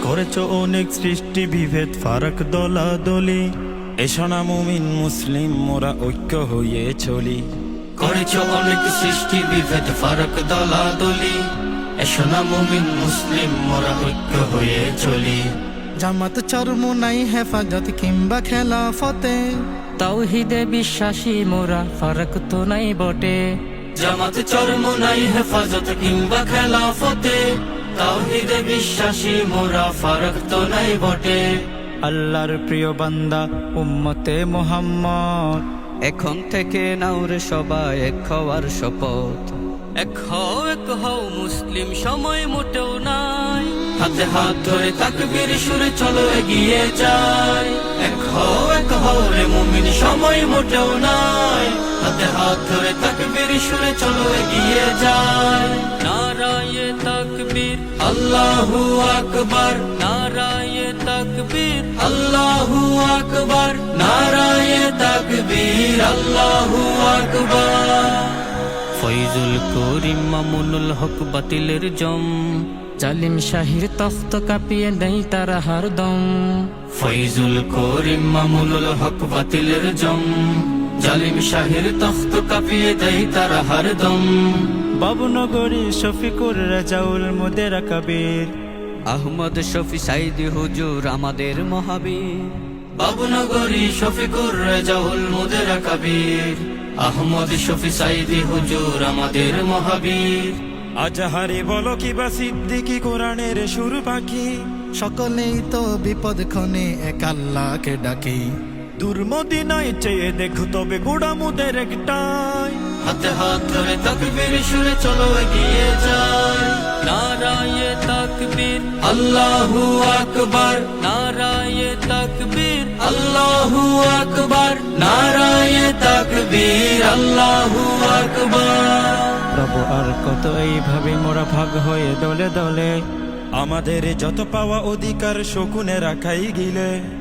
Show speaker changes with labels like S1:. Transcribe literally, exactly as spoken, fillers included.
S1: করেছ অনেক সৃষ্টি বিভেদ ফারাক দলাদলি, এসো না মুমিন মুসলিম মোরা ঐক্য হয়ে চলি।
S2: করেছ অনেক সৃষ্টি বিভেদ ফারাক দলাদলি, এসো না মুমিন মুসলিম মোরা ঐক্য হয়ে চলি।
S3: জামাত চরমুনাই হেফাজত কিংবা খেলাফতে,
S4: তাওহীদে বিশ্বাসী মোরা ফারাক তো নাই বটে।
S2: জামাত চরমুনাই হেফাজত কিংবা খেলাফতে, তাওহীদে বিশ্বাসী মোরা ফারাক তো নাই বটে।
S3: আল্লাহর প্রিয় বান্দা উম্মতে মুহাম্মদ,
S4: এখন থেকে নাওরে সবাই এক হওয়ার শপথ। এক হও এক হও মুসলিম সময় মোটেও নাই,
S2: হাতে হাত ধরে তাকবীর সুরে চলো এগিয়ে যাই। এক হও এক হও রে মুমিন সময় মোটেও নাই, হাতে হাত ধরে তাকবীর সুরে চলো এগিয়ে যাই।
S4: নারায়ে তাকবীর
S2: আল্লাহু আকবার,
S4: নারায়ে তাকবীর
S2: আল্লাহু আকবার, নারায়ে তাকবীর, আল্লাহু আকবার।
S4: ফয়জুল করিম মামুনুল হক বাতিলের জম, জালিম শাহির তখ্ত কাঁপিয়ে দেয় তারা হরদম।
S2: ফয়জুল করিম মামুনুল হক বাতিলের জম, জালিম শাহির তখ্ত কাঁপিয়ে দেয় তারা হরদম।
S3: বাবুনগরী শফিকুর রাজাউল মুদেরা কবির,
S4: আহমদ শফি সাইদি হুজুর আমাদের মহাবীর।
S2: বাবুনগরী শফিকুর রাজাউল মুদেরা কবির, আহমদ শফি সাইদি হুজুর আমাদের মহাবীর।
S1: আজাহারি বলো কিবা সিদ্দিকি কোরআনের সুর পাখি,
S3: সকলেই তো বিপদ ক্ষণে এক আল্লাহকে ডাকি।
S1: দুর্মদিনায় চেয়ে দেখো তবে গোড়ামুদের একটাই,
S2: হাতে হাত ধরে তাকবীর সুরে চলো এগিয়ে যাই।
S4: নারায়ে তাকবীর
S2: আল্লাহু আকবার,
S4: নারায়ে তাকবীর
S2: আল্লাহু আকবার, নারায়ে তাকবীর, আল্লাহু আকবার।
S3: প্রভু আর কত এইভাবে মোরা ভাগ হয়ে দলে দলে,
S1: আমাদের যত পাওয়া অধিকার শকুনে রাখাই গিলে।